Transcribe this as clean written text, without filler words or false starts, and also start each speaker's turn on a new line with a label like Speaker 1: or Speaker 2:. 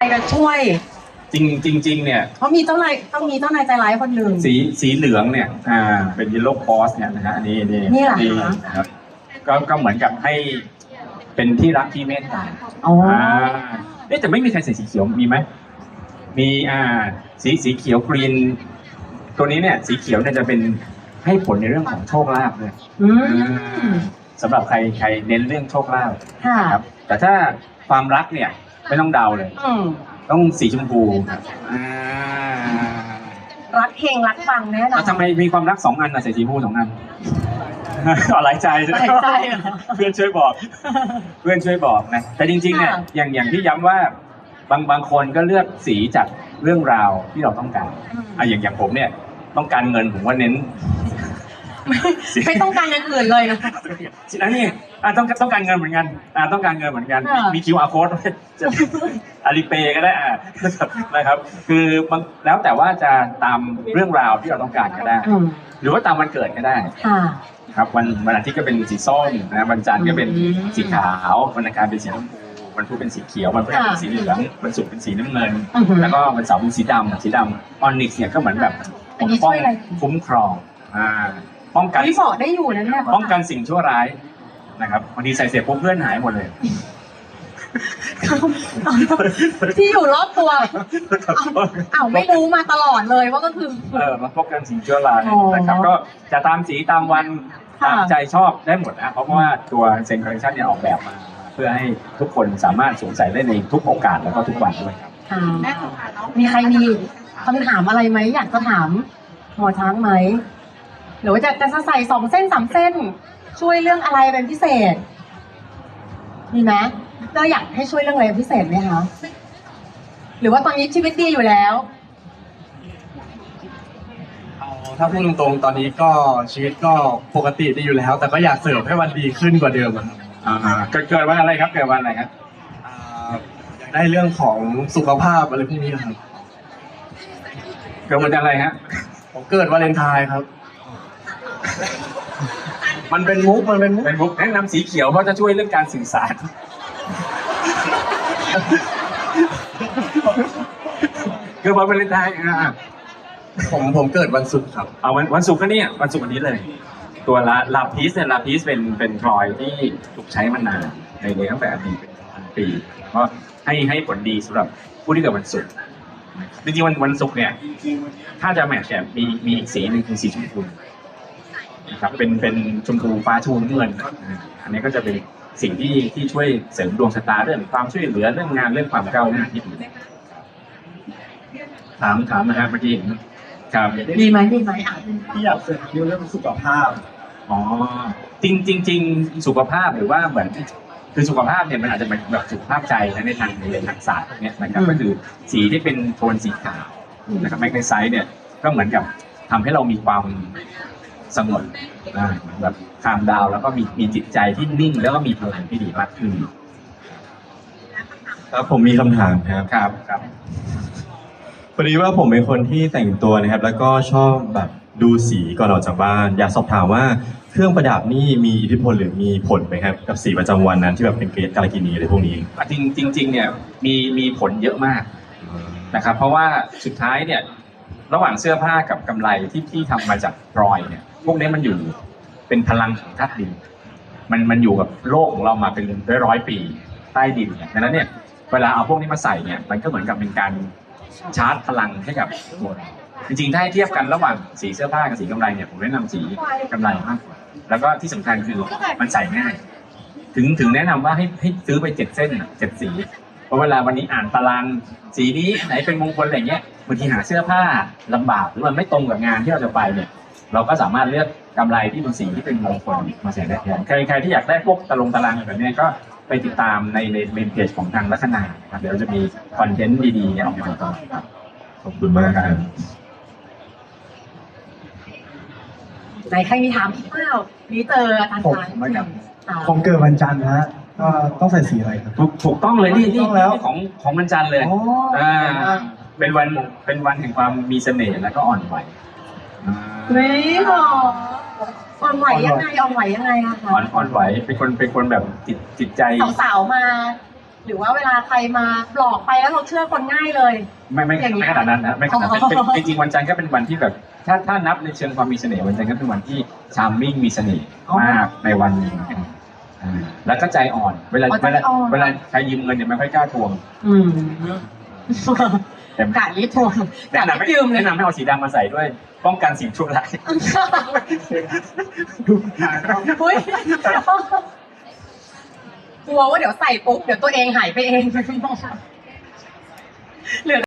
Speaker 1: จะช่วย
Speaker 2: จริงเนี่ย
Speaker 1: เพราะมีเจ้านายต้องมีเจ้านายใจร้ายคนหนึ่ง
Speaker 2: สีเหลืองเนี่ยเป็นยิโลคอสเนี่ยนะฮะอันนี้
Speaker 1: นี่เหรอคะ
Speaker 2: นะครับก็เหมือนกับให้เป็นที่รักที่เมตตา
Speaker 1: อ๋อ
Speaker 2: แต่ไม่มีใครใส่สีเขียวมีไหมมีสีเขียวกรีนตัวนี้เนี่ยสีเขียวเนี่ยจะเป็นให้ผลในเรื่องของโชคลาภเลย
Speaker 1: อืม
Speaker 2: สำหรับใครเน้นเรื่องโชคลาภ
Speaker 1: ค่ะ
Speaker 2: ครับแต่ถ้าความรักเนี่ยไม่ต้องเดาเลย
Speaker 1: อืม
Speaker 2: ต้องสีชมพูครับ
Speaker 1: รักเฮงรักปังแน่นอ
Speaker 2: แล้
Speaker 1: น
Speaker 2: วทำไมมีความรัก2 อันใส่สีชมพู2 อัน หลายใจใช่ไหม
Speaker 1: หลายใจเหรอ
Speaker 2: เพื่อนช่วยบอก เพื่อนช่วยบอกนะแต่จริงๆเนี่ย
Speaker 1: ค่ะ
Speaker 2: อย่างที่ย้ำว่าบางคนก็เลือกสีจากเรื่องราวที่เราต้องการอย่างผมเนี่ยต้องการเงินผมว่าเน้น
Speaker 1: ไม่ต้องการอย่างอื่นเลยนะ
Speaker 2: อันนี้ต้องการเงินเหมือนกันต้องการเงินเหมือนกัน
Speaker 1: ค่ะ
Speaker 2: มี QR code จะอาลีเปย์ก็ได้นะครับคือบางแล้วแต่ว่าจะตามเรื่องราวที่เราต้องการก็ได้
Speaker 1: อืม
Speaker 2: หรือว่าตามวันเกิดก็ได้
Speaker 1: ค่ะ
Speaker 2: ครับวันอาทิตย์ก็เป็นสีส้มนะวันจันทร์ก็เป็น
Speaker 1: อืม
Speaker 2: สีขาววันอังคารเป็นสีชมพูวันพุธเป็นสีเขียววันพฤหัสเป็นสีเหลืองวันศุกร์เป็นสีน้ำเงิน
Speaker 1: อือหือ
Speaker 2: แล้วก็วันเสาร์เป็นสีดำออนิกซ์เนี่ยก็เหมือนแบบ
Speaker 1: อันนี้ช่วยอะไร
Speaker 2: คุ้มครองป้องกัน
Speaker 1: พี่บอกได้อยู่นะเนี่ย
Speaker 2: ป้องกันสิ่งชั่วร้ายนะครับบางทีใส่เสร็จปุ๊บเพื่อนหายหมดเลย
Speaker 1: ที่อยู่รอบตัวอ้าวไม่รู้มาตลอดเลยว่าก็คือ
Speaker 2: มาป้องกันสิ่งชั่วร้าย
Speaker 1: อ๋อ
Speaker 2: นะครับก็จะตามสีตามวัน
Speaker 1: ค่ะ
Speaker 2: ตามใจชอบได้หมดนะเพราะว่าตัวเซนคอลเลคชันเนี่ยออกแบบมา เพื่อให้ทุกคนสามารถสวมใส่ได้ในทุกโอกาสแล้วก็ทุกวันด้วยครับ
Speaker 1: มีใครมีคำถามอะไรไหมอยากจะถามหมอช้างไหมหรือว่าจะใส่2 เส้น 3 เส้น ช่วยเรื่องอะไรเป็นพิเศษ มีไหมเราอยากให้ช่วยเรื่องอะไรเป็นพิเศษไหมคะหรือว่าตอนนี้ชีวิตดีอยู่แล้ว
Speaker 3: ถ้าพูดตรงๆตอนนี้ก็ชีวิตก็ปกติดีอยู่แล้ว แต่ก็อยากเสริมให้มันดีขึ้นกว่าเดิมอะครับ
Speaker 2: เกิดวันอะไรครับเกิดวันอะไรครับ
Speaker 3: อ่าอยากได้เรื่องของสุขภาพอะไรพวกนี้ครับ
Speaker 2: เกิดวันอะไรฮะ
Speaker 3: ผมเกิดวาเลนไทน์ครับ มันเป็นมุก
Speaker 2: เป็นบุ๊กแนะนำสีเขียวเพราะจะช่วยเรื่องการสื่อสารเกิดวันวาเลนไทน์
Speaker 3: ผมเกิดวันศุกร์ครับ
Speaker 2: เอาวันศุกร์ก็เนี่ยวันศุกร์วันนี้เลย ตัวลาพีสเนี่ยลาพีสเป็นพลอยที่ถูกใช้มานานในตั้งแต่อดีตเป็นพันปีก็ให้ผลดีสำหรับผู้ที่เกิดวันศุกร์จริงๆวันศุกร์เนี่ยถ้าจะแมทช์เนี่ยมีอีกสีหนึ่งคือสีชมพูนะครับเป็นชมพูฟ้าชมพูเงินอันนี้ก็จะเป็นสิ่งที่ช่วยเสริมดวงชะตาเรื่องความช่วยเหลือเรื่องงานเรื่องความก้าวหน้าที่ดีถามนะฮะเมื่อกี้เห็นครับ
Speaker 1: ดีไหมดีไหมอ่ะ
Speaker 3: ที่อยากเสริมเรื่องสุขภาพ
Speaker 2: อ๋อจริงสุขภาพหรือว่าเหมือนคือสุขภาพเนี่ยมันอาจจะเป็นแบบสุขภาพใจนะในทางศาสตร์พวกเนี้ยนะครับก็คือสีที่เป็นโทนสีขาวนะครับแมกนีไซต์เนี่ยก็เหมือนกับทำให้เรามีความสงบเหมือนแบบคามดาวแล้วก็มีจิตใจที่นิ่งแล้วก็มีพลังที่ดีมากขึ้น
Speaker 4: ครับผมมีคำถามครับ
Speaker 2: ครับ
Speaker 4: พอดีว่าผมเป็นคนที่แต่งตัวนะครับ แล้วก็ชอบแบบดูสีก่อนออกจากบ้าน อยากสอบถามว่าเครื่องประดับนี่มีอิทธิพลหรือมีผลไหมครับกับสีประจำวันนั้นที่แบบเป็นเกรดกาลกินีอะไรพวกนี้
Speaker 2: จริงเนี่ยมีผลเยอะมากนะครับเพราะว่าสุดท้ายเนี่ยระหว่างเสื้อผ้ากับกำไรที่ทำมาจากพลอยเนี่ยพวกนี้มันอยู่เป็นพลังของธาตุดินมันอยู่กับโลกของเรามาเป็นร้อยปีใต้ดินเนี่ยดังนั้นเนี่ยเวลาเอาพวกนี้มาใส่เนี่ยมันก็เหมือนกับเป็นการชาร์จพลังให้กับตัวเราจริงๆถ้าให้เทียบกันระหว่างสีเสื้อผ้ากับสีกำไรเนี่ยผมแนะนำสีกำไรมากกว่าแล้วก็ที่สำคัญคือมันใส่ง่ายถึงแนะนำว่าให้ซื้อไป7 เส้น7 สีเพราะเวลาวันนี้อ่านตารางสีนี้ไหนเป็นมงคลอะไรเงี้ยบางทีหาเสื้อผ้าลำบากหรือมันไม่ตรงกับงานที่เราจะไปเนี่ยเราก็สามารถเลือกกำไรที่เป็นสีที่เป็นมงคลมาใส่ได้แทนใครที่อยากได้พวกตารางแบบนี้ก็ไปติดตามในเมนเพจของทางลัคนาครับเดี๋ยวจะมีคอนเทนต์ดีๆเนี่ยออกมาต่อครับ
Speaker 4: ขอบคุณมากครับ
Speaker 1: ไหนใครมีถามอีกเปล่านี่เจออาจารย์
Speaker 3: ผม
Speaker 1: ช้าง
Speaker 3: ไม่ครับ
Speaker 1: อ่า
Speaker 3: ผมเกิดวันจันทร์นะฮะก็ต้องใส่สีอะไรครับ
Speaker 2: ถูกต้องเลยนี่
Speaker 3: ถูกต้องแล้ว
Speaker 2: ของวันจันทร์เลย
Speaker 3: อ๋ออ่
Speaker 2: เป็นวันแห่งความมีเสน่ห์และก็อ่อนไหว
Speaker 1: เฮ้ยหรออ่อนไหวยังไงอ่อนไหวยังไงอะคะ
Speaker 2: อ่อนไหวเป็นคนแบบจิตใจ
Speaker 1: สาวๆมาหรือว่าเวลาใครมาหลอกไปแล้วเราเชื่อคนง่ายเลย
Speaker 2: ไม่
Speaker 1: อย่างนี้
Speaker 2: ไม่ขนาดนั้นนะไม่ขนาดนั้น
Speaker 1: อ๋อ
Speaker 2: จริงๆวันจันทร์ก็เป็นวันที่แบบ ถ้านับในเชิงความมีเสน่ห์วันจันทร์ก็เป็นวันที่ชาร์มมิ่งมีเสน่ห์มากในวันหนึงแล้วก็ใจอ่อน เวลาใครยืมเงินเนี่ยไม่ค่อยกล้าทวง
Speaker 1: อืม
Speaker 2: แต่
Speaker 1: กะรีบทวงกะ
Speaker 2: แนะ
Speaker 1: รี
Speaker 2: นำ
Speaker 1: บ
Speaker 2: ให้
Speaker 1: ยืมเลย
Speaker 2: แนะนำให้เอาสีดำมาใส่ด้วย ป้องกันสิ่งชั่วร้าย
Speaker 1: อุ้ยกลัวว่าเดี๋ยวใส่ปุ๊บเดี๋ยวตัวเองหายไปเองเหลือ